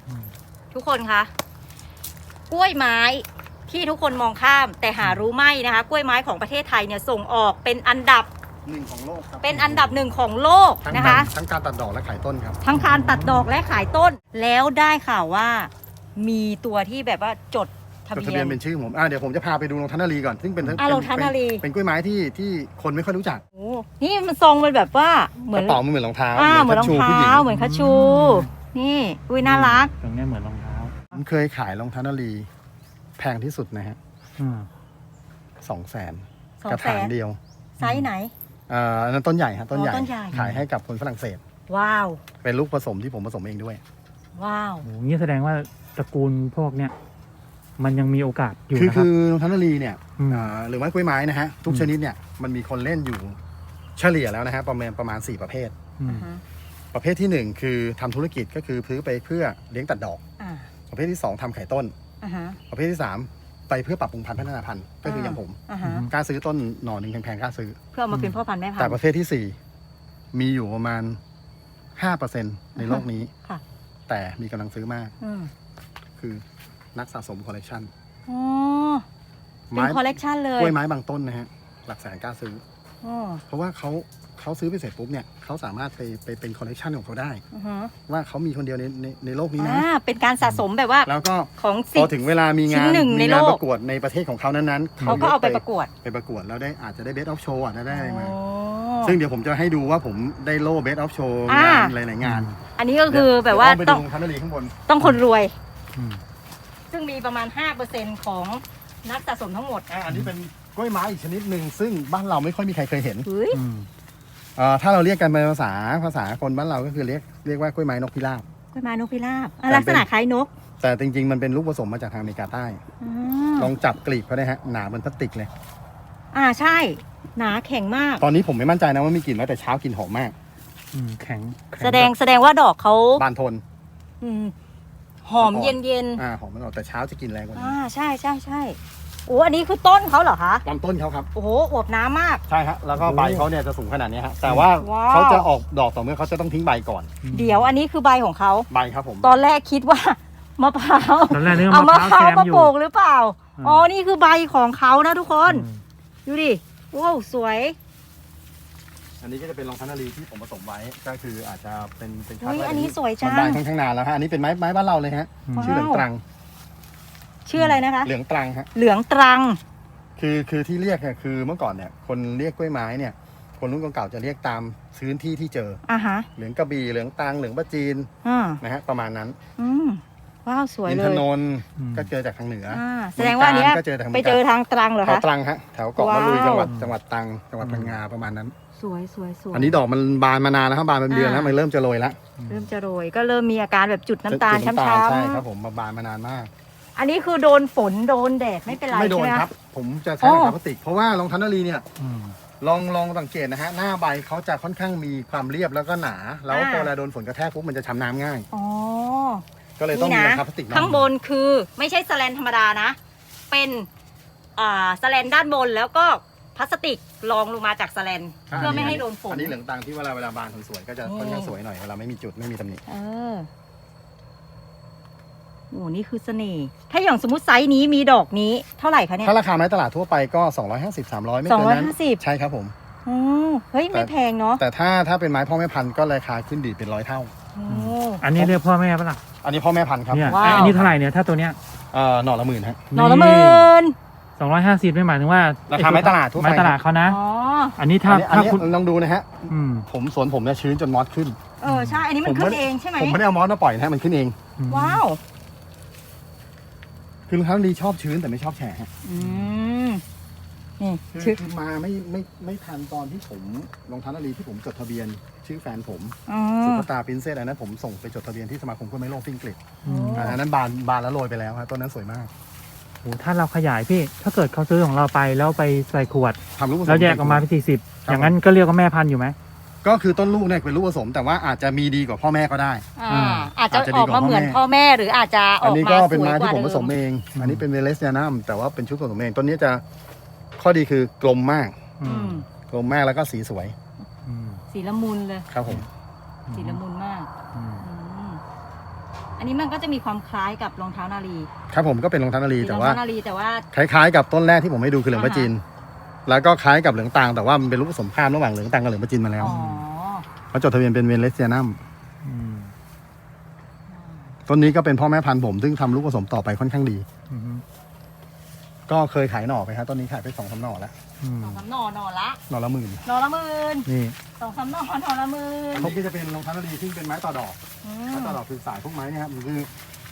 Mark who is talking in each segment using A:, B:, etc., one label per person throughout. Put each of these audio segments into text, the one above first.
A: ทุกคนคะกล้วยไม้ที่ทุกคนมองข้ามแต่หารู้ไม่นะคะกล้วยไม้ของประเทศไทยเนี่ยส่งออกเป็นอันดับ
B: 1ของโลกครับ
A: เป็นอันดับหนึ่งของโลกนะคะ
B: ทั้งการตัดดอกและขายต้นครับ
A: ทั้งการตัดดอกและขายต้นแล้วได้ข่าวว่ามีตัวที่แบบว่าจดทะ
B: จดทะ
A: เบีย
B: เบีย
A: น
B: นเป็นชื่อผมเดี๋ยวผมจะพาไปดูลงทันนารีก่อนซึ่งเป็น
A: ลงทันนารี
B: เป็นกล้วยไม้ที่คนไม่ค่อยรู้จัก
A: โอ้นี่มันทรงมันแบบว่าเหมื
B: ก
A: อน
B: ระเป๋ามันเหมือนรองเท้า
A: เหมือนรอง
B: ผู้หญิ
A: เท้าเหมือนคัชชู นี่อุ้ยน่ารัก
C: ตรงนี้เหมือนรองเท้า
B: ผมเคยขายรองเท้านารีแพงที่สุดนะฮะ 200,000 กระถางเดียว
A: ไซส์ไหน
B: อันนั้นต้นใหญ่ฮะต้นใหญ่
A: ต้นใหญ่
B: ขายให้กับคนฝรั่งเศส
A: ว้าว
B: เป็นลูกผสมที่ผมผสมเองด้วย
A: ว้าว
C: โอ้งี้แสดงว่าตระกูลพวกเนี้ยมันยังมีโอกาสอยู่
B: คือ
C: นะครับ
B: คือรองเท้านารีเนี่ย
C: ม
B: หรือไม้กล้วยไม้นะฮะทุก
C: อืม
B: ชนิดเนี่ยมันมีคนเล่นอยู่เฉลี่ยแล้วนะฮะประมาณ4 ประเภท
C: อืม
B: ประเภทที่ 1 คือทำธุรกิจก็คือซื้อไปเพื่อเลี้ยงตัดดอก
A: อ่า
B: ประเภทที่ 2ทำไข่ต้น
A: อ่าฮะ
B: ประเภทที่ 3 ไปเพื่อปรับปรุงพันธุ์พัฒนาพันธุ์ก็คืออย่างผม
A: อ่าฮะ
B: กล้าซื้อต้นหน่อหนึ่งแพงๆกล้าซื้อ
A: เพื่อเอามาเป็นพ่อพันธุ์แม่พัน
B: แต่
A: ธุ์
B: ประเภทที่ 4 มีอยู่ประมาณ 5% ในโลกนี้
A: ค่ะ
B: แต่มีกำลังซื้อมาก
A: อืม
B: คือนักสะสมคอลเลกชัน
A: อ๋อเป็นคอลเลกชันเลย
B: กล้วยไม้บางต้นนะฮะหลักแสนกล้าซื้อ
A: อ๋อ
B: เพราะว่าเขาซื้อไปเสร็จปุ๊บเนี่ยเขาสามารถไปเป็นคอลเลกชันของเขาได้
A: อือฮะ
B: ว่าเขามีคนเดียวในโลกนี้นะ
A: เป็นการสะสมแบบว่า
B: แล้วก็
A: ของ
B: พ
A: สิ
B: อบ ถึงเวลามี
A: ชิ้
B: งาน
A: นหนึ่งใน
B: มี
A: โล
B: งาน
A: ก
B: ประกวดในประเทศของเขานั้นๆ
A: เขาก็เอาไปประกวด
B: ไปประกวดแล้วได้อาจจะได้เบสออฟโชว์อาจจะได้อะไรมา
A: อ๋อ
B: ซึ่งเดี๋ยวผมจะให้ดูว่าผมได้โล่เบสออฟโชว์
A: อ่า
B: งานหลายๆงาน
A: อันนี้ก็คือแบบว่า
B: เดี๋ย
A: ต้
B: ต้
A: อ
B: อง งไปดูทันนารีข้างบน
A: ต้องคนรวย
C: อืม
A: ซึ่งมีประมาณ 5%ของนักสะสมทั้งหมด
B: อันนี้เป็นกล้วยไม้อีกชนิดหนึ่งซึ่งบ้านเราไม่ค่อยมีใครเคยเห็น
A: เฮ้ย
C: อืม
B: ถ้าเราเรียกกันเป็นภาษาคนบ้านเราก็คือเรียกว่ากล้วยไม้นกพิราบ
A: กล้วยไม้นกพิราบ
B: แต่
A: ลักษณะคล้ายนก
B: แต่จริงๆมันเป็นลูกผสมมาจากทางอเมริกาใต้
A: อ๋
B: ล
A: อ
B: องจับกลีบเขาได้ฮะหนาเหมือนพลาสติกเลย
A: ใช่ หนาแข็งมาก
B: ตอนนี้ผมไม่มั่นใจนะว่ามีกลิ่นไหมแต่เช้ากลิ่นหอมมาก
C: แข็ง
A: แสดงว่าดอกเขา
B: บานทน
A: อืมหอมเย็น
B: หอมมันออกแต่เช้าจะกลิ่นแรงกว่านี้
A: ใช่ใช่ใช่โอ้อันนี้คือต้นเขาเหรอคะ
B: ลำต้นเขาครับ
A: โอ้โหอวบน้ำมาก
B: ใช่ฮะแล้วก็ใบเขาเนี่ยจะสูงขนาดนี้ฮะแต่ว่า
A: ว้าว
B: เขาจะออกดอกต่อเมื่อเขาจะต้องทิ้งใบก่อน
A: เดี๋ยวอันนี้คือใบของเขา
B: ใบครับผม
A: ตอนแรกคิดว่า มะพร้าว
C: ตอนแรกนึก
A: เอา
C: ว่าม
A: ะ
C: มะ
A: พ
C: พร้า
A: ร้าว ว
C: แซม
A: มา
C: อยู่
A: ปลูกหรือเปล่า
C: อืม
A: อ๋อ นี่คือใบของเขานะทุกคน
C: อืม
A: ดูดิว้าวสวย
B: อันนี้ก็จะเป็นรองเท้านารีที่ผมผสมไว้ก็คืออาจจะเป็น
A: เฮ้ยอันนี้สวยจั
B: มัน
A: ง
B: บานค่อนข้างนานแล้วฮะอันนี้เป็นไม้บ้านเราเลยฮะ
A: ว้าว
B: ชื่อเหลืองตรัง
A: ชื่ออะไรนะคะ
B: เหลืองตรังฮะ
A: เหลืองตรัง
B: คือที่เรียกเนี่ยคือเมื่อก่อนเนี่ยคนเรียกกล้วยไม้เนี่ยคนรุ่นเก่าๆจะเรียกตามพื้นที่ที่เจอ
A: อ่ะฮะ
B: เหลืองกระบี่เหลืองตรังเหลืองปะจีน
A: อ่า
B: นะฮะประมาณนั้น
A: อืมว้าวสวย
B: อิน
A: เล
B: ท
A: ย
B: นนท์
C: อืม
B: ก็เจอจากทางเหนือ
A: แสดงว่าอันเนี้ย
B: ก็เจอทาง
A: ไปเจอทางตรังเหรอ
B: แถว
A: คะ
B: ตรังฮะแถวเกาะมะลุย
A: ว้าว
B: จังหวัดตรังจังหวัดพังงาประมาณนั้น
A: สวยสวยสวย
B: อันนี้ดอกมันบานมานานแล้วครับบานเป็นเดือนแล้วมันเริ่มจะโรยแล้ว
A: เริ่มจะโรยก็เริ่มมีอาการแบบจุดน้ำตาล
B: จุด
A: ช้ำ
B: ใช่ครับผมบานมานานมาก
A: ๆอันนี้คือโดนฝนโดนแดดไม่เป็นไร
B: ไม่โด
A: ใช่
B: น
A: ไหม
B: ค
A: คะ
B: รับ ผมจะใช้
A: อ๋อ
B: รองเท้าพลาสติกเพราะว่ารองเท้านารีเนี่ย
C: อืม
B: ลองสังเกตนะฮะหน้าใบเขาจะค่อนข้างมีความเรียบแล้วก็หนา แล้วพอเวลาโดนฝนกระแทกปุ๊บมันจะช้ำน้ำง่าย
A: อ๋อ
B: ก็เลยต้องมีรองเท้าพลาสติก
A: ข้างบนคือไม่ใช่สแลนธรรมดานะ เป็นสแลนด้านบนแล้วก็พลาสติกรองลงมาจากสแลนเพื่อไม่ให้โดนฝน
B: อันนี้เหลืองตรังที่เวลาบานสวยๆก็จะค่อนข้างสวยหน่อยเวลาไม่มีจุดไม่มีตำหนิ
A: เออโอ้นี่คือเสน่ห์ถ้าอย่างสมมติไซส์นี้มีดอกนี้เท่าไหร่คะเนี่ย
B: ถ้าราคาไม้ตลาดทั่วไปก็250-300ไม่เกินนั้น
A: 250
B: ใช่ครับผม
A: อ๋อเฮ้ยไม่แพงเนาะ
B: แต่ถ้าเป็นไม้พ่อแม่พันธุ์ก็ราคาขึ้นดีเป็น100 เท่า
A: โอ้
C: อันนี้เรียกพ่อแม่ปะล่ะ
B: อันนี้พ่อแม่พันธุ์ครับ
C: เนี่ย
A: ว้าว
C: อันนี้เท่าไหร่เนี่ยถ้าตัวเนี้ย
B: หน่อละ10,000ฮะ
A: หน่อละหมื่น
C: 250ไม่หมายถึงว่า
B: ราคาไม้ตลาดทั่วไป
C: ไม้ตลาดเขานะ
A: อ๋อ
C: อันนี้ถ้า
B: อัน
C: ถ้า
B: นี้
C: คุณ
B: ลองดูนะฮะ
C: อืม
B: สวนผมเนี่ยชื้นจนมอสขึ้น
A: ใช่อันนี้มันขึ้นเองใช่ไหม
B: ผมไม่ได้เอามอสมาปล่อยนะฮะมันขึ้นเอง
A: ว้าว
B: คือรองเท้าดีชอบชื้นแต่ไม่ชอบแฉะฮะ
A: อืมนี่
B: คือมาไม่ทันตอนที่ผมรองเท้านารีที่ผมจดทะเบียนชื่อแฟนผม
A: อ๋อ
B: สุภตาปรินเซสอันนั้นผมส่งไปจดทะเบียนที่สมาคมกล้วยไม้โลกที่อังกฤษ
C: อืม
B: อันนั้นบานแล้วโรยไปแล้วครับต้นนั้นสวยมาก
C: โอ้ถ้าเราขยายพี่ ถ้าเกิดเขาซื้อของเราไปแล้วไปใส่ขวด
B: ทำลูกผสม
C: แล้วแยกออกมาเป็น40
B: ครับ
C: อย่างนั้นก็เรียกว่าแม่พันธุ์อยู่ไหม
B: ก็คือต้นลูกเนี่ยเป็นลูกผสมแต่ว่าอาจจะมีดีกว่าพ่อแม่ก็ได้
A: อาจจะ
B: อาจจะ
A: อ
B: ดี
A: อก
B: กว่า
A: มาเหมือนพ่อแม่หรืออาจจะอ
B: อัน
A: อก
B: นี้
A: มา
B: ก็
A: ส
B: เป็น
A: วย
B: ไม้
A: ก
B: ที่
A: ว่า
B: ผมผสม
A: เดิ
B: เอง อันนี้เป็นเวเลสยานัมแต่ว่าเป็นชุดผสมเองต้นนี้จะข้อดีคือกลมมาก
A: อืม
B: กลมมากแล้วก็สีสวย
C: อืม
A: สีละมุนเลย
B: ครับผม
A: สีละมุนมาก
C: อืม
A: อืมอันนี้มันก็จะมีความคล้ายกับรองเท้านาลี
B: ครับผมก็เป็นรองเท้านาลี
A: เป็นร
B: แต่
A: อง
B: ว่า
A: เท้านาลีแต่ว่า
B: คล้ายๆกับต้นแรกที่ผมให้ดูคือเหลืองประจินแล้วก็คล้ายกับเหลืองตางแต่ว่ามันเป็นรูปผสมข้ามระหว่างเหลืองตางกับเหลืองประจินมาแล้ว
A: อ๋อ
B: เขาจดทะเบียนเป็นเวเลสเซียนัม
C: อืม
B: ต้นนี้ก็เป็นพ่อแม่พันธุ์ผมซึ่งทำลูกผสมต่อไปค่อนข้างดี
C: อืม
B: ก็เคยขายหน่อไปครับต้นนี้ขายไป2-3หน่อแล้ว
C: อืม
A: สองสามหน่อละ
B: หน่อละหมื่น
A: หน่อละหมื่น
C: นี่
A: 2-3หน่อละหมื่น
B: อันนี้ก็จะเป็นรองเท้านาลีซึ่งเป็นไม้ต่อดอก
A: อื
B: ไม้
A: ม
B: ต่อดอกคือสายพวกไม้เนี่ยครับมันคือ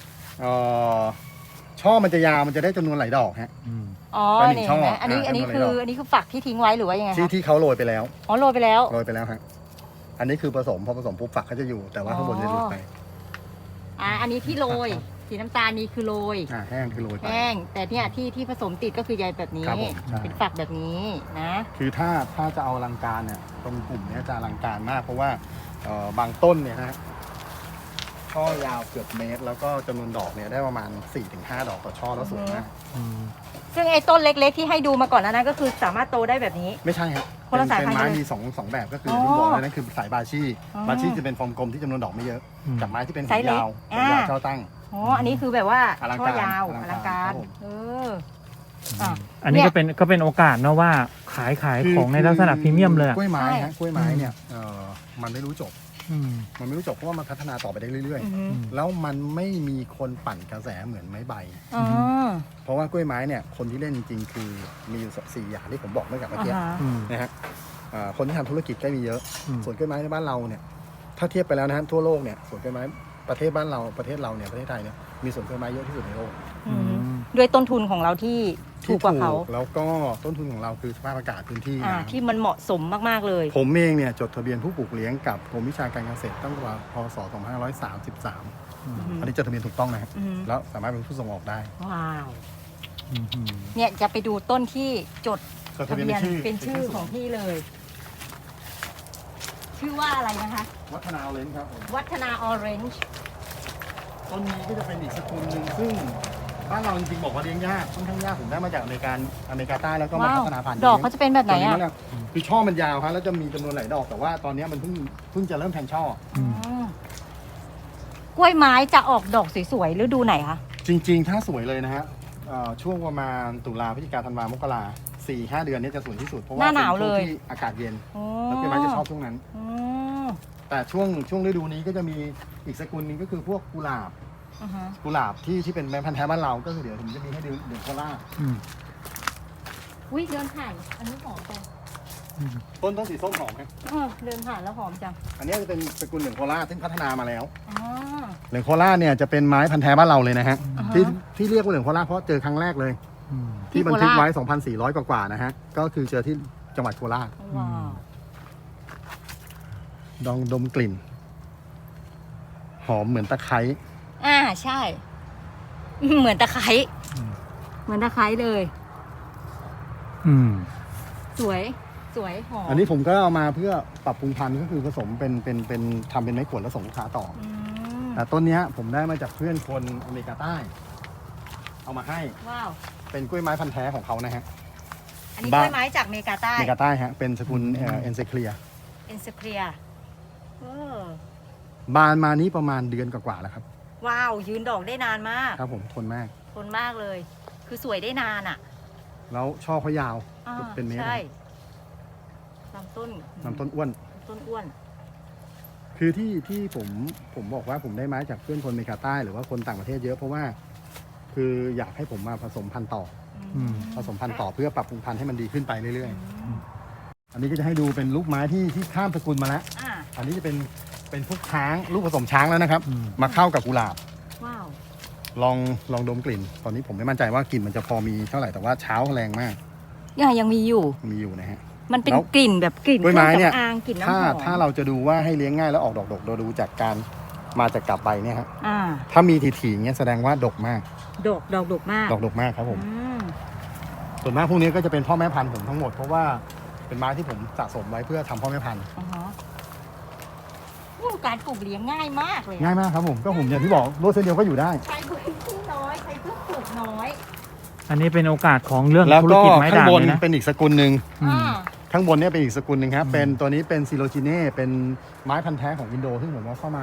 B: ช่อมันจะยาวมันจะได้จำนวนหลายดอกฮะ
C: อืม
A: อ๋อ
B: เป็นหนึ่
A: นี่
B: งช่อ
A: เห็นไหมอันนี้
B: อ่า
A: อันนี้
B: เป็น
A: คือ
B: หน่อ
A: อันนี้คือฝักที่ทิ้งไว้หรือว่ายังไง
B: ที่
A: คะ
B: ที่เขาโรยไปแล้ว
A: อ๋อโรยไปแล้ว
B: โรยไปแล้วฮะอันนี้คือผสมพอผสมปุ๊บฝักเขาจะอยู่แต่ว่าข้างบนจะหลุดไป
A: อันนี้ที่โรยสีน้ำตาลนี่คือโรย
B: แห้งคือโรยไป
A: แห้งแต่เนี่ยที่ผสมติดก็คือใยแบบนี้
B: ครับผมใช่
A: เป็นฝักแบบนี้นะ
B: คือถ้าจะเอาอลังการเนี่ยตรงกลุ่มเนี้ยจะอลังการมากเพราะว่าบางต้นเนี่ยนะฮะช่อยาวเกือบเมตร แล้วก็จำนวนดอกเนี่ยได้ประมาณ 4-5 ดอกต่อช่อแล้วสวยมาก
C: อืม
A: ซึ่งไอ้ต้นเล็กๆที่ให้ดูมาก่อนแล้วนะก็คือสามารถโตได้แบบนี้
B: ไม่ใช่ครับ
A: คนละสายพันธุ์
B: เป็นไม้
A: เลย
B: มีสองแบบก็คือ
A: อ๋อ
B: ที่บอกเลยนั่นคือสายบาชี
A: อ๋อ
B: บาชีจะเป็นฟอร์มกลมที่จำนวนดอกไม่เยอะ
C: อืม
B: กับไม้ที่เป็น
A: ไซส์เล็ก
B: ยาว
A: อ่า
B: ยาวช่อตั้ง
A: อ๋ออันนี้คือแบบว่า
B: อลัง
A: ช่อ
B: การ
A: ยาว
B: อ
A: อ
B: ลั
A: ลั
B: ง
A: ง
B: กา
A: การ ร
B: ครับผม
C: อันนี้ก็เป็นโอกาสเนอะว่าขายของในลักษณะพรีเมียมเลยอะ
B: กล้วยไม้
A: ใช่
B: ฮะกล้วยไม้เนี่ยมันไม่รู้จบ
C: อืม
B: มันไม่รู้จบเพราะว่ามันพัฒนาต่อไปได้เรื่อย
A: อือฮึ
B: ๆ แล้วมันไม่มีคนปั่นกระแสเหมือนไม้ใบ
A: อ๋อ
B: เพราะว่ากล้วยไม้เนี่ยคนที่เล่นจริงๆ คือมีอยู่4อย่างที่ผมบอกเมื่อกี้
A: อ่าฮะ
C: อืม
B: นะฮะคนที่ทำธุรกิจก็มีเยอะ
C: อืม
B: ส่วนกล้วยไม้ในบ้านเราเนี่ยถ้าเทียบไปแล้วนะฮะทั่วโลกเนี่ยสวนกล้วยไม้ประเทศเราประเทศไทยเนี่ยมีสวนกล้วยไม้เยอะที่สุดในโลก
A: อืมด้วยต้นทุนของเราที่ถูกกว่าเขา
B: แล้วก็ต้นทุนของเราคือสภาพอากาศพื้นที่
A: ที่มันเหมาะสมมากๆเลย
B: ผมเองเนี่ยจดทะเบียนผู้ปลูกเลี้ยงกับกรมวิชาการเกษตรตั้งแต่พศ 2533
C: อืม
B: อันนี้จดทะเบียนถูกต้องนะครับ
A: อืม
B: แล้วสามารถเป็นผู้ส่งออกได้
A: ว้าว
C: อืมอืม
A: เนี่ยจะไปดูต้นที่จด
B: จด
A: ทะ
B: ทะเบียน
A: เบียน
B: ชื่อ
A: เป็นชื่อของพี่เลย ชื่อว่าอะไรนะคะ
B: วัฒนาเลนครับผม
A: วัฒนาออเรนจ์
B: ต้นนี้ก็จะเป็นอีกสกุลหนึ่งซึ่งบ้านเราจริงๆบอกว่าเลี้ยงยากค่อนข้างยากผมได้มาจากอเมริกาใต้แล้วก็มา
A: ว้าว
B: พัฒนาพันธุ์
A: ดอกเขาจะเป็นแบบไหน
B: ตัว
A: อ่ะ
B: แหละคือช่อมันยาวครับแล้วจะมีจำนวนหลายดอกแต่ว่าตอนนี้มันเพิ่งจะเริ่มแทงช่อ
C: อืม
A: อ๋อกล้วยไม้จะออกดอกสวยๆฤดูไหนคะ
B: จริงๆ ถ้าสวยเลยนะฮะช่วงประมาณตุลาพฤศจิกาธันวามกรา4-5 เดือนเนี้จะสวยที่สุดเพราะว่า
A: หน้าหนาว
B: ป็ช่ง
A: เลย
B: ที่อากาศเย็น
A: อ๋อ
B: แล้วกล้วยไม้จะชอบช่วงนั้น
A: อืม
B: แต่ช่วงฤดูนี้ก็จะมีอีกสกุลหนึงก็คือพวกกุหลาบ
A: อือฮะ
B: กุหลาบที่เป็นแบรนด์พันธุ์แท้บ้านเราก็คือเดี๋ยวผมจะมีให้ดูเดือนโคราช
C: อืม
A: อุ้ยเดินผ่านอันนี้หอมจัง
C: อืม
B: ต้นสีส้มหอมไหม
A: เดินผ่านแล้วหอมจัง
B: อันนี้จะเป็นสกุลเหลืองโคราชซึ่งพัฒนามาแล้ว
A: อ๋อ
B: เหลืองโคราชเนี่ยจะเป็นไม้พันธุ์แท้บ้านเราเลยนะฮะ
A: อ่าฮะ
B: ที่เรียกว่าเหลืองโคราชเพราะเจอครั้งแรกเลย
C: อืม
A: ที่
B: ที่บันทึก
A: โคราช
B: ไว้ 2,400 กว่าๆนะฮะก็คือเจอที่จังหวัดโคราช
A: ว้าว
B: ลองดมกลิ่น หอมเหมือนตะไคร้
A: ใช่ เหมือนตะไคร้
C: อืม
A: เหมือนตะไคร้เลย
C: อืม
A: สวยหอม
B: อันนี้ผมก็เอามาเพื่อปรับปรุงพันธุ์ก็คือผสมเป็นทำเป็นไม้ขวดแล้วส่งลูกค้าต่อ
A: อืม
B: แต่ต้นเนี้ยผมได้มาจากเพื่อนคนอเมริกาใต้ เอามาให้
A: ว้าว
B: เป็นกล้วยไม้พันธุ์แท้ของเขานะฮะ
A: อันนี้
B: บ้า
A: กล้วยไม้จากอเมริกาใต้
B: อเมริกาใต้ฮะเป็นสกุลเอ็นเซเคลีย
A: เอ็นสเปีย
B: บานมานี้ประมาณเดือนกว่าๆแล้วครับ
A: ว้าวยืนดอกได้นานมาก
B: ครับผมทนมาก
A: ทนมากเลย คือสวยได้นานอ่ะ
B: แล้วช่อเขายาว
A: อ่า
B: เป็นเมตร
A: ใช่ลำต้น
B: ลำต้นอ้วน
A: ต้นอ้วน
B: คือที่ผมบอกว่าผมได้ไม้จากเพื่อนคนอเมริกาใต้หรือว่าคนต่างประเทศเยอะเพราะว่า คืออยากให้ผมมาผสมพันธุ์ต่อ
C: อืม
B: ผสมพันธุ์ต่อเพื่อปรับปรุงพันธุ์ให้มันดีขึ้นไปเรื่อย
A: อืม
B: ๆ อันนี้ก็จะให้ดูเป็นลูกไม้ที่ข้ามสกุลมาแล้ว
A: อ่า
B: อันนี้จะเป็นพวกช้างลูกผสมช้างแล้วนะครับ
C: อืม
B: มาเข้ากับกุหลาบ
A: ว้าว
B: ลองดมกลิ่น ตอนนี้ผมไม่มั่นใจว่ากลิ่นมันจะพอมีเท่าไหร่แต่ว่าเช้าแรงมาก
A: ยังมีอยู่
B: มีอยู่นะฮะ
A: มันเป็น
B: แล้ว
A: กลิ่นแบบกลิ่น
B: กล้วยไม้เนี่ย
A: ครื่องสำอางกลิ่นน้ำห
B: ถ้า
A: อม
B: ถ้าเราจะดูว่าให้เลี้ยงง่ายแล้วออกดอกดกเราดูจากการมาจากกลับใบเนี่ยฮะ
A: อ่า
B: ถ้ามีถี่ๆเงี้ยแสดงว่าดกมาก
A: ดอกมาก
B: ดอกดกมากครับผม
A: อืม
B: ส่วนมากพวกนี้ก็จะเป็นพ่อแม่พันธุ์ผมทั้งหมดเพราะว่าเป็นไม้ที่ผมสะสมไว้เพื่อทำพ่อแม่พันธุ์
A: อ่าฮะอู้การปลูกเลี้ยงง่ายมากเลย
B: ง่ายมากครับผมก็ผมอย่างที่บอกรถเส้นเดียวก็อยู่ได้
A: ใช้พื้นที่น้อยใช้เพื่อปลูกน้อย
C: อันนี้เป็นโอกาสของเรื่อง
B: แล้ว
C: ธุร
B: ก็
C: กิจไม้
B: ข้าง
C: ด่าง
B: บน
C: เลยนะ
B: เป็นอีกสกุลหนึ่ง
C: อืม
A: อ่า
B: ข้างบนเนี่ยเป็นอีกสกุลหนึ่งครับ
C: อืม
B: เป็นตัวนี้เป็นซิโลจิเน่เป็นไม้พันธุ์แท้ของอินโดซึ่งผมว่าเข้ามา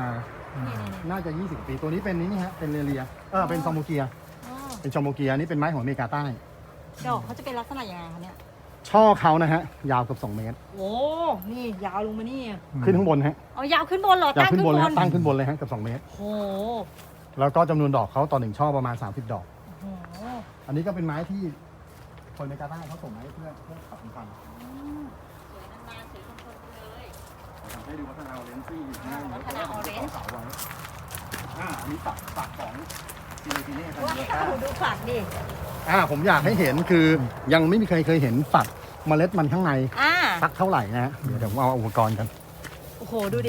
A: นี่
B: น่าจะ 20 ปีตัวนี้เป็นนี่ฮะเป็นเรียเป็นซอมโมเกีย
A: อ๋อ
B: เป็นชอมโมเกียนี่เป็นไม้ของอเมริกาใต้
A: ดอกเขาจะเป็นลักษณะยังไงคะเนี่ย
B: ช่อเขานะฮะยาวเกือบ2 เมตร
A: โอ้นี่ยาวลงมานี่
B: ขึ้นข้างบนฮะ
A: เอายาวขึ้นบนเหรอย
B: าว
A: ตั้ง
B: ขึ้น
A: ขึ้น
B: บบ น
A: น
B: เลยฮะตั้งขึ้นบนเลยฮะเกือบ2 เมตร
A: โอ้
B: แล้วก็จำนวนดอกเขาต่อ1ช่อประมาณ30 ดอก
A: โห
B: อันนี้ก็เป็นไม้ที่คนอเมริกาใต้เขาส่งมาให้เพื่อขับพันธุ์
A: อืมสวยนานๆสวยทนๆไปเลย
B: ให้ดูวัฒนาเลนซี่อยู่ข้างหน้า
A: วัฒนาออเรนจ์
B: เสาไว้อันนี้ฝักของซีเนติเน่ทัน
A: ว้า
B: เดียว
A: วดูฝักดิ
B: ผมอยากให้เห็นคือยังไม่มีใครเคยเห็นฝักเมล็ดมันข้างใน
A: อ่า
B: สักเท่าไหร่นะฮะเดี๋ยวผมเอาอุปกรณ์กัน
A: โอ้โหดูดิ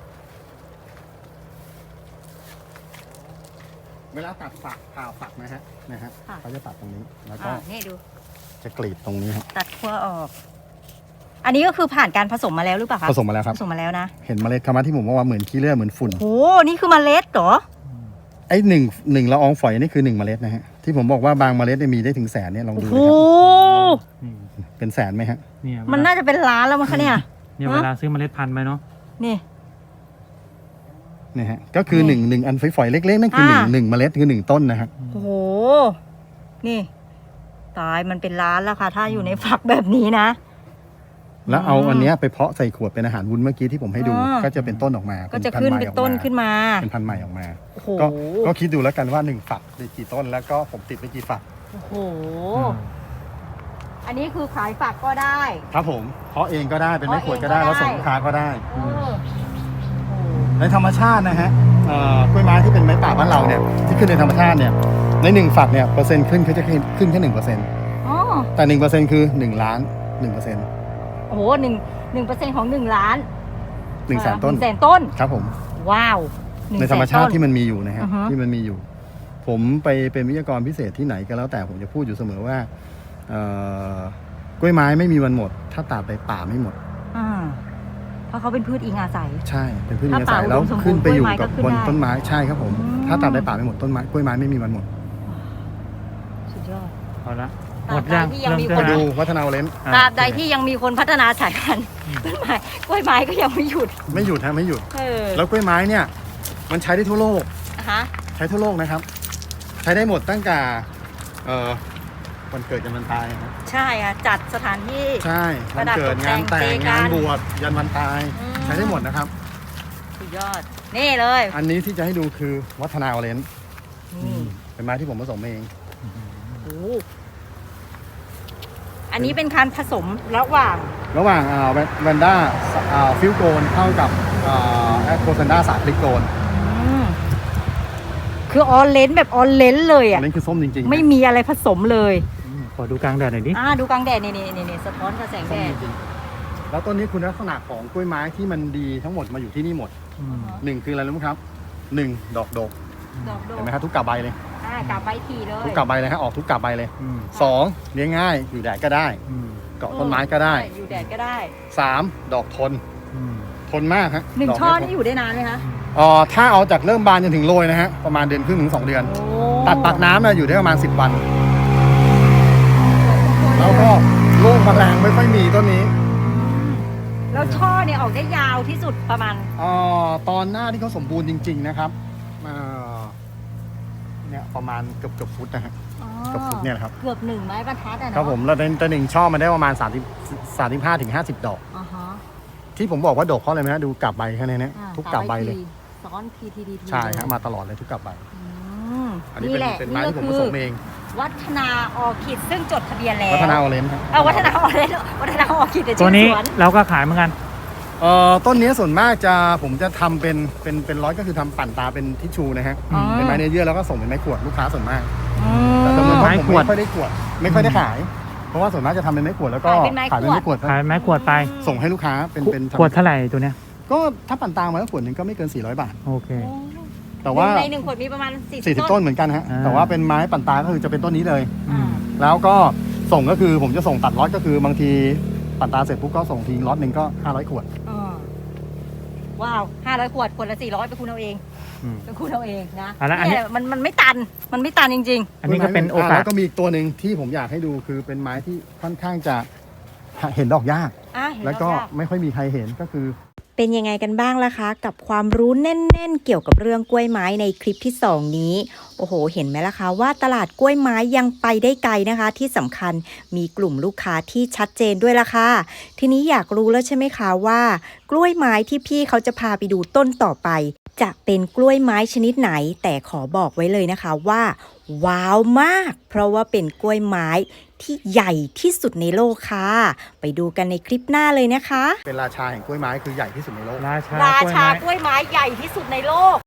B: เวลาตัดฝักผ่าฝักนะฮะเขาจะตัดตรงนี้แล้วก็
A: นี่ดู
B: จะกรีดตรงนี้ฮะ
A: ตัดขั้วออก อันนี้ก็คือผ่านการผสมมาแล้วหรือเปล่าคะ
B: ผสมมาแล้วครับ
A: ผสมมาแล้วนะ
B: เห็นเมล็ดคำว่าที่ผมว่าเหมือนขี้เลื่อยเหมือนฝุ่น
A: โอ้นี่คือเมล็ดเหรอ
B: ไอ้หนึ่งละอองฝอยนี่คือ1 เมล็ดนะฮะที่ผมบอกว่าบางเมล็ดเนี่ยมีได้ถึงแสนเนี่ยลอง
A: โอ้
B: ดู
A: โห
B: นะครับเป็นแสนไหมฮะ
C: เนี่ย
A: มันน่าจะเป็นล้านแล้วมั้งคะเนี่ย
C: เนี่ยเวลาซื้อเมล็ดพันธุ์ไปเนาะ
A: นี่
B: เนี่ยฮะก็คือหนึ่งอันฝอยๆเล็กๆนั่นคือหนึ่งเมล็ดคือ1 ต้นนะฮะ
A: โอ้โห นี่ ตายมันเป็นล้านแล้วค่ะ ถ้าอยู่ในฝักแบบนี้นะ
B: แล้วเอาอันเนี้ยไปเพาะใส่ขวดเป็นอาหารวุ้นเมื่อกี้ที่ผมให้ดู
A: อ่า
B: ก็จะเป็นต้นออกมา
A: ก็จะขึ้นเป็นต้นขึ้นมา
B: เป็นพันธุ์ใหม่ออกมา
A: โอ้โห
B: ก็คิดดูแล้วกันว่า1ฝักได้กี่ต้นแล้วก็ผมติดไปกี่ฝัก
A: โอ้โห อันนี้คือขายฝักก็ได้
B: ครับผมเพาะเองก็ได้เป็นไม้ขวดก็ได้
A: เพาะเองก็ได้
B: แล้วส่งลูกค้าก็ได้
A: เออโอ้โห
B: ในธรรมชาตินะฮะกล้วยไม้ที่เป็นไม้ป่าบ้านเราเนี่ยที่ขึ้นในธรรมชาติเนี่ยใน1ฝักเนี่ยเปอร์เซ็นต์ขึ้นเขาจะขึ้นแค่1%
A: อ๋อ
B: แต่1%คือ1 ล้าน1%
A: โอ้โห1% ของ1 ล้าน
B: 100,000 ต้น
A: 100,000 ต้น
B: ครับผม
A: ว้าว
B: ในธรรมชาติ
A: 100,000
B: ที่มันมีอยู่นะฮะ
A: อือฮะ
B: ที่มันมีอยู่ ผมไปเป็นวิทยากรพิเศษที่ไหนก็แล้วแต่ผมจะพูดอยู่เสมอว่ากล้วยไม้ไม่มีวันหมด ถ้าตัดไปป่าไม่หมมด
A: อ่าเพราะเขาเป็นพืชอิงอาศัย
B: ใช่เป็นพืช
A: ถ้า
B: อาศัย
A: ป่า
B: แล้ว
A: อุดมสมบูรณ์
B: ขึ้นไปอยู่กับ
A: กล้วยไม้ก็ขึ้น
B: บน
A: ได้
B: ต้นไม้ใช่ครับผม
A: อืม
B: ถ้าตัดได้ป่าไม่หมดต้นไม้กล้วยไม้ไม่มีวันหมด
A: สุดยอด
C: เอาละ
A: ตราบ
C: หมดยัง
A: ใดที่ยังมี
C: เริ่
A: คน
C: ใช่
B: ดู
C: ไหม
B: วัฒนาเลน
C: อ่ะ
A: ตราบใดที่ยังมีคนพัฒนาสายพันธุ์ต้นไม้กล้วยไม้ก็ยังไม่หยุด
B: ไม่หยุดฮะไม่หยุด
A: เออ
B: แล้วกล้วยไม้เนี่ยมันใช้ได้ทั่วโลก
A: ฮะ
B: ใช้ทั่วโลกนะครับ ใช้ได้หมดตั้งแต่วันเกิดจนวันตายครับ
A: ใช่ค่ะจัดสถานที่
B: ใช่วันเกิด
A: ประดับ
B: งาน
A: ต
B: แต่
A: กแต่ง
B: งงาน
A: เจกัน
B: บวชยันวันตาย
A: อืม
B: ใช้ได้หมดนะครับ
A: สุดยอด นี่เลย
B: อันนี้ที่จะให้ดูคือวัฒนาเลน
A: นี่
B: เป็นไม้ที่ผมผสมเอง
A: โอ้อันนี้เป็นการผสมระหว่าง
B: ระหว่างแวนด้าฟิลโกนเข้ากับแอคโคซันด้าสาคลิกโกน
A: อืมคือออเลนแบบออเลนเลย
B: อั
A: อ่ะ
B: นนี้คือส้มจริงๆ
A: ไม่มีอะไรผสมเลย
C: ขอดูกลางแดดหน่อยดิ
A: ดูกลางแดดนี่สะท้อนกับแสง
B: ส้
A: แด
B: ม
A: ด
B: จริงๆแล้วต้นนี้คุณลักษณะของกล้วยไม้ที่มันดีทั้งหมดมาอยู่ที่นี่หมด
C: อืม
B: หนึ่งคืออะไรรู้ไหมครับ1ดอกดก
A: ดอกโด
B: เห็นไหมครับทุกกาบใบเลย
A: กลับใบทีเลย
B: ทุกกาบใบเลยฮะออกทุกกาบใบเลย
C: อืม
B: 2เลี้ยงง่ายอยู่แดดก็ได้
C: อืม
B: เกาะต้นไม้ก็ได้
A: อยู่แดดก็ได้
B: 3ดอกทน
C: อืม
B: ทนมากฮะ
A: หนึ่ง
B: ดก
A: ช่อ
B: เย
A: นี่อยู่ได้นานไหมคะ
B: ถ้าเอาจากเริ่มบานจนถึงโรยนะฮะประมาณเดือนครึ่งถึง2 เดือน
A: โอ้
B: ตัดปากน้ำเนี่ยอยู่ได้ประมาณ10 วัน แล้วก็โรคแมลงไม่ค่อยมีต้นนี้
A: แล้วช่อเนี่ยออกได้ยาวที่สุดประมาณ
B: ตอนหน้าที่เขาสมบูรณ์จริง ๆนะครับเนี่ยประมาณเกือบฟุตนะฮะเกือบฟุตเนี่ยนะครับ
A: เกือบ1 ไม้บรรทัดอะเนาะ
B: ครับผมแล้วแต่หนึ่งช่อมันได้ประมาณ35 ถึง 50 ดอก
A: อ่าฮะ
B: ที่ผมบอกว่าดอกเพราะอะไรไหมฮะดูกาบใบแค่นี้เนี่ยทุกกาบใบเลย
A: ซ้อนพีทีดีที
B: ใช่ฮะมาตลอดเลยทุกกาบใบ อันนี้
A: นี่แหละ
B: เป็นไม้ที่ผมผสมเอง
A: วัฒนาออคิดซึ่งจดทะเบียนแล้ว
B: วัฒนาออเรนจ์ครับ
A: วัฒนาออเรนจ์วัฒนาออคิดใน
C: ตัว
A: ชื่อ
C: นี้
A: สวน
C: เราก็ขายเหมือนกัน
B: ต้นนี้ส่วนมากผมจะทำเป็นร้อยก็คือทำปั่นตาเป็นทิชชูนะฮะ
C: อืม
B: เป็นไม้เนื้อเยื่อแล้วก็ส่งเป็นไม้ขวดลูกค้าส่วนมาก
A: อืม
B: แต่จำนวน
C: ไม้
B: ผม
C: ขวด
B: ไม่ค่อยได้ขวดไม่ค่อยได้ขาย เพราะว่าส่วนมากจะทำเป็นไม้ขวดแล้วก็
A: ขายเป็นไม้
B: ขายเป็นไม้ขวด
C: ขายไม้ขวดไป
B: ส่งให้ลูกค้าเป็น
C: ขวดเท่าไหร่ตัวเนี้ย
B: ก็ถ้าปั่นตามาแล้วขวดหนึงก็ไม่เกิน400 บาท
C: โอเค
B: แต่ว่า
A: ใน1 ขวดมีประมาณ
B: 40 ต้นเหมือนกันฮะ
C: อ่า
B: แต่ว่าเป็นไม้ปั่นตาก็คือจะเป็นต้นนี้เลย
C: อืม
B: แล้วก็ส่งก็คือผมจะส่งตัดล็อตก็คือบางทีปั่นตาเสร็จปุ๊บก็ส่งทีล็อตหนึ่งก็500 ขวด
A: ว้าว500 ขวดขวดละ400ไปคุณเอาเอง
C: อืม
A: ไปคุณเอาเองนะ
C: อ่ะแล้วอันนี้
A: เนี่ยมันไม่ตันมันไม่ตันจริง
C: อันนี้ก็เป็นโอกาส
B: แล้วก็มีอีกตัวหนึ่งที่ผมอยากให้ดูคือเป็นไม้ที่ค่อนข้างจะเห็นดอกยาก
A: ๆเห็น
B: แล้วก็
A: ยาก
B: ไม่ค่อยมีใครเห็นก็คือ
D: เป็นยังไงกันบ้างล่ะคะ กับความรู้แน่นๆเกี่ยวกับเรื่องกล้วยไม้ในคลิปที่ 2 นี้โอ้โหเห็นไหมล่ะคะว่าตลาดกล้วยไม้ยังไปได้ไกลนะคะ ที่สำคัญมีกลุ่มลูกค้าที่ชัดเจนด้วยล่ะค่ะทีนี้อยากรู้แล้วใช่ไหมคะว่ากล้วยไม้ที่พี่เขาจะพาไปดูต้นต่อไป จะเป็นกล้วยไม้ชนิดไหน แต่ขอบอกไว้เลยนะคะว่าว้าวมาก เพราะว่าเป็นกล้วยไม้ที่ใหญ่ที่สุดในโลกค่ะ ไปดูกันในคลิปหน้าเลยนะคะ
B: เป็นราชาแห่งกล้วยไม้คือใหญ่ที่สุดในโลก
C: ราชา
A: รา
C: กล้วย
A: ชา
C: ไม้
A: กล้วยไม้ใหญ่ที่สุดในโลก